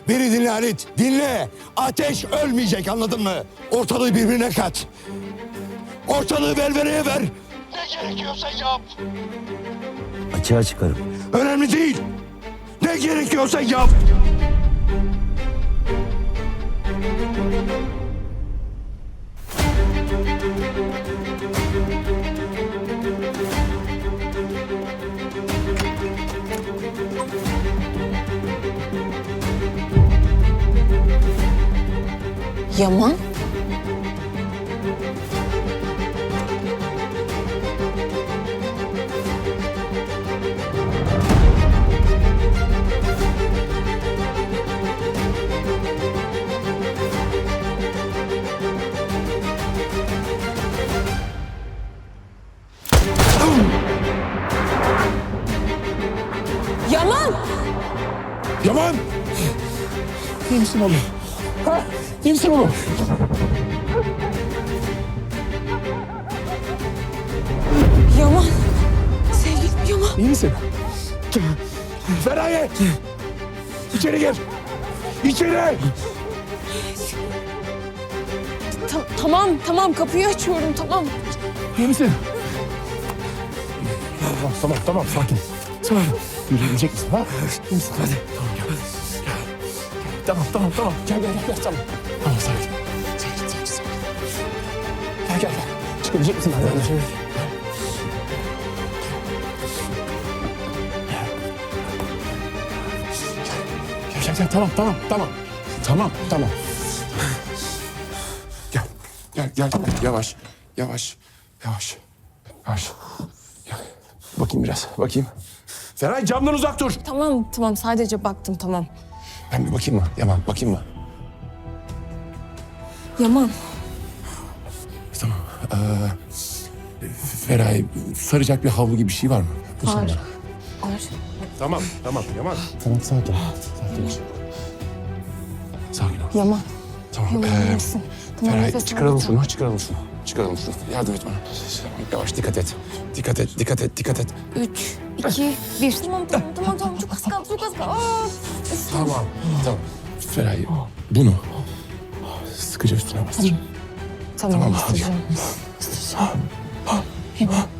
Beni dinle Halit, dinle. Ateş ölmeyecek, anladın mı? Ortalığı birbirine kat. Ortalığı velveleye ver. Ne gerekiyorsa yap. Açığa çıkarım. Önemli değil. Ne gerekiyorsa yap. Yaman? Yaman! Yaman! İyi misin oğlum? Ha? İyi misin oğlum? Yaman! Sevgilim Yaman! İyi misin? Feraye! İçeri gir! İçeri! Tamam kapıyı açıyorum tamam. İyi misin? Tamam sakin. Tamam. Yürüyecek misin ha? İyi misin? Hadi. Tamam gel. Tamam. Gel tamam. Tamam sakin. Gel. Çıkabilecek misin? Hadi. Gel. Tamam. Gel. Yavaş. Gel. Bakayım biraz. Feray camdan uzak dur. Tamam sadece baktım tamam. Ben bir bakayım mı? Yaman bakayım mı? Yaman. Tamam. Feray saracak bir havlu gibi bir şey var mı? Var. Tamam Yaman. Tamam sakin. Sakin ol. Yaman. Tamam. Yaman nasılsın? Tamam, Feray nefes çıkaralım al. şunu. Yardım et bana. Yavaş dikkat et. 3, 2, 1. Tamam. Çok az kaldı. Aa! Tamam. Feray bunu sıkıca üstüne bastır. Tamam. Tamam, hadi. Isıracağım. Yaman.